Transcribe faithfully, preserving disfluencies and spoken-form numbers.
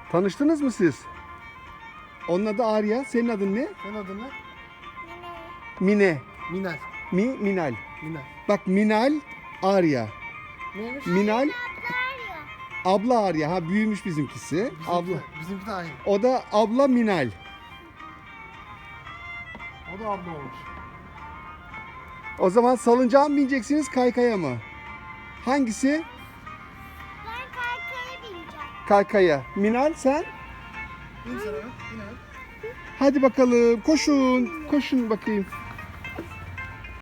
Tanıştınız mı siz? Onun adı Arya. Senin adın ne? Senin adın ne? Mine. Minal. Mi, Minal. Minal. Bak Minal, Arya. Neymiş? Minal, abla Arya. Ha büyümüş bizimkisi. Bizimki, Abla. Bizimki de aynı. O da abla Minal. O da abla olmuş. O zaman salıncağa mı bineceksiniz, kaykaya mı? Hangisi? Ben kaykaya bineceğim. Kaykaya. Minal sen? İn sen hemen. İn hemen. Hadi bakalım koşun. Koşun bakayım.